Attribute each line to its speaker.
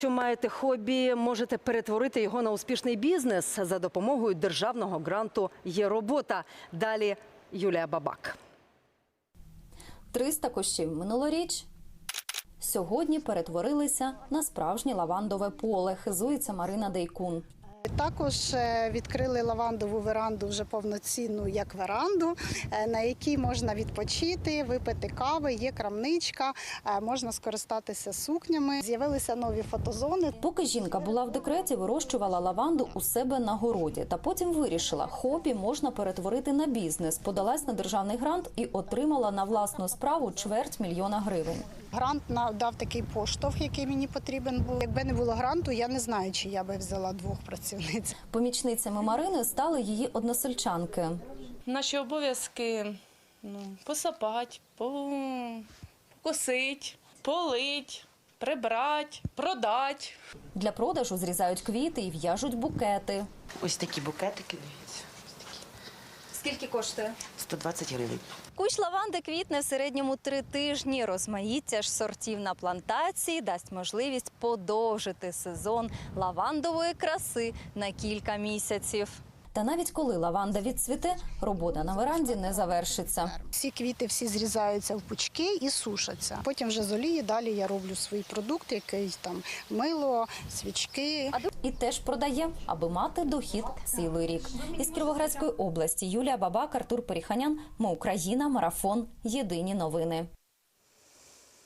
Speaker 1: Якщо маєте хобі, можете перетворити його на успішний бізнес за допомогою державного гранту «Є робота». Далі Юлія Бабак.
Speaker 2: 300 кущів минулоріч сьогодні перетворилися на справжнє лавандове поле, хизується Марина Дейкун.
Speaker 3: Також відкрили лавандову веранду вже повноцінну, як веранду, на якій можна відпочити, випити кави, є крамничка, можна скористатися сукнями. З'явилися нові фотозони.
Speaker 2: Поки жінка була в декреті, вирощувала лаванду у себе на городі. Та потім вирішила, хобі можна перетворити на бізнес. Подалась на державний грант і отримала на власну справу $250 000 гривень.
Speaker 3: Грант дав такий поштовх, який мені потрібен був. Якби не було гранту, я не знаю, чи я би взяла 2 працівниць.
Speaker 2: Помічницями Марини стали її односельчанки.
Speaker 4: Наші обов'язки посапати, покосити, полить, прибрати, продати.
Speaker 2: Для продажу зрізають квіти і в'яжуть букети.
Speaker 5: Ось такі букетики, дивіться.
Speaker 2: Скільки коштує?
Speaker 5: 120 гривень.
Speaker 2: Кущ лаванди квітне в середньому 3 тижні. Розмаїття ж сортів на плантації дасть можливість подовжити сезон лавандової краси на кілька місяців. Та навіть коли лаванда відцвіте, робота на веранді не завершиться.
Speaker 3: Всі квіти зрізаються в пучки і сушаться. Потім вже з олії далі я роблю свій продукт, який там мило, свічки.
Speaker 2: І теж продає, аби мати дохід цілий рік. Із Кіровоградської області Юлія Бабак, Артур Періханян. Ми Україна. Марафон. Єдині новини.